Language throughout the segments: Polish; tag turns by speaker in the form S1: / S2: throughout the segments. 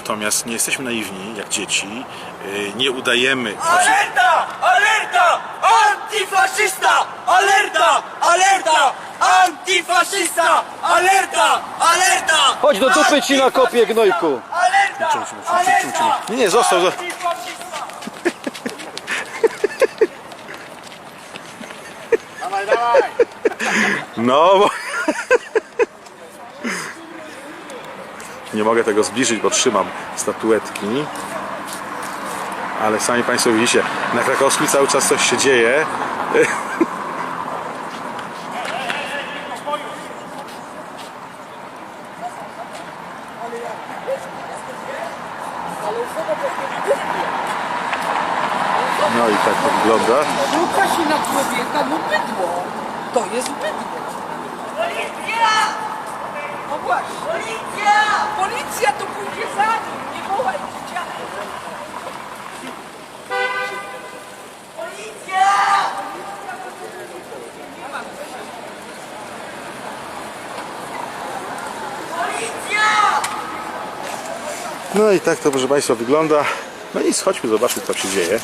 S1: natomiast nie jesteśmy naiwni jak dzieci, nie udajemy...
S2: Alerta! Alerta! Antyfaszysta! Alerta! Alerta! Antyfaszysta! Alerta! Alerta!
S3: Chodź do dupy ci na kopie, gnojku.
S2: Alerta! Alerta!
S1: Nie, został.
S2: Dawaj, dawaj!
S1: No bo... Nie mogę tego zbliżyć, bo trzymam statuetki. Ale sami Państwo widzicie, na Krakowskim cały czas coś się dzieje. No i tak to wygląda.
S4: Luka się na człowieka, no bydło. To jest bydło.
S2: Policja!
S4: No właśnie.
S2: Policja!
S4: Policja to pójdzie za nim. Nie wołaj dzieciaka.
S2: Policja! Policja!
S1: No i tak to, proszę Państwa, wygląda. No nic, chodźmy, zobaczmy, co się dzieje.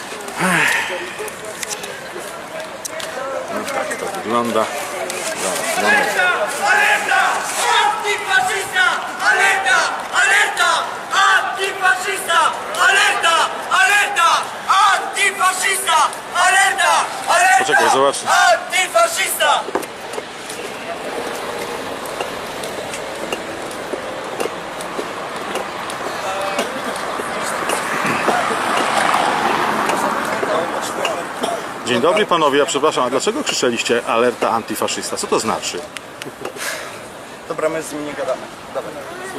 S1: No tak to wygląda.
S2: Alerta! Alerta! Antyfaszysta! Alerta! Alerta! Antyfaszysta! Alerta! Alerta! Antyfaszysta! Alerta! Alerta!
S1: Poczekaj, zobacz.
S2: Antyfaszysta!
S1: Dzień dobry panowie, ja przepraszam, a dlaczego krzyczeliście alerta antyfaszysta? Co to znaczy?
S5: Dobra, my z nim nie gadamy. Dawaj.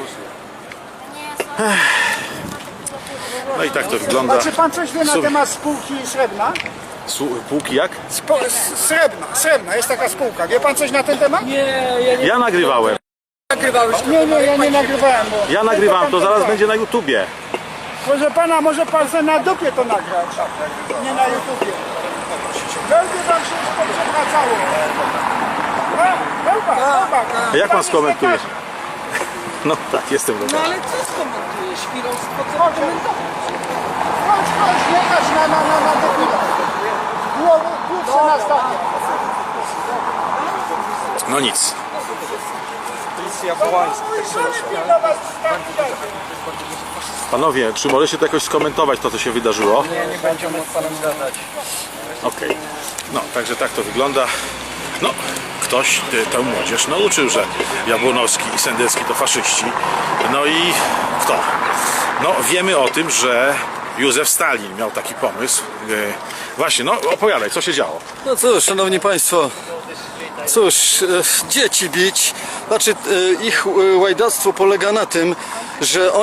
S1: No i tak to wygląda.
S6: A czy pan coś wie na temat spółki Srebrna?
S1: Półki jak?
S6: Srebrna, jest taka spółka. Wie pan coś na ten temat?
S1: Ja nagrywałem.
S6: Nie, ja nie nagrywałem. Bo
S1: Ja nagrywam, to zaraz będzie na YouTubie.
S6: Proszę pana, może pan sobie na dupie to nagrać. Nie na YouTubie. Będzie wam się już poprzewracało.
S1: A jak pan skomentuje? No tak, jestem
S4: No
S1: gotowy.
S4: ale co skomentujesz? Chwilowstwo, co komentować?
S6: Chodź, jechać na debila. Główce na stanie.
S1: No nic.
S5: Policja wołańska.
S1: Panowie, czy możecie to jakoś skomentować, to co się wydarzyło?
S5: Nie będziemy z panem gadać.
S1: Okej. No, także tak to wygląda. No, ktoś tę młodzież nauczył, że Jabłonowski i Sendecki to faszyści. No i kto? No, wiemy o tym, że Józef Stalin miał taki pomysł. Właśnie, no opowiadaj, co się działo?
S3: No cóż, szanowni państwo, cóż, dzieci bić, znaczy ich łajdactwo polega na tym, że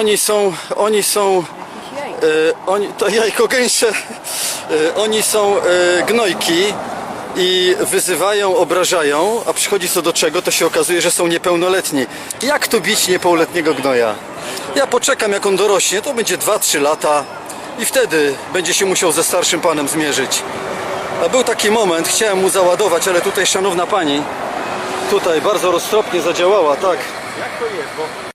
S3: to jajko gęsie, oni są gnojki i wyzywają, obrażają, a przychodzi co do czego, to się okazuje, że są niepełnoletni. Jak tu bić niepełnoletniego gnoja? Ja poczekam, jak on dorośnie, to będzie 2-3 lata i wtedy będzie się musiał ze starszym panem zmierzyć. A był taki moment, chciałem mu załadować, ale tutaj szanowna pani tutaj bardzo roztropnie zadziałała, tak.
S1: Jak to jest? Bo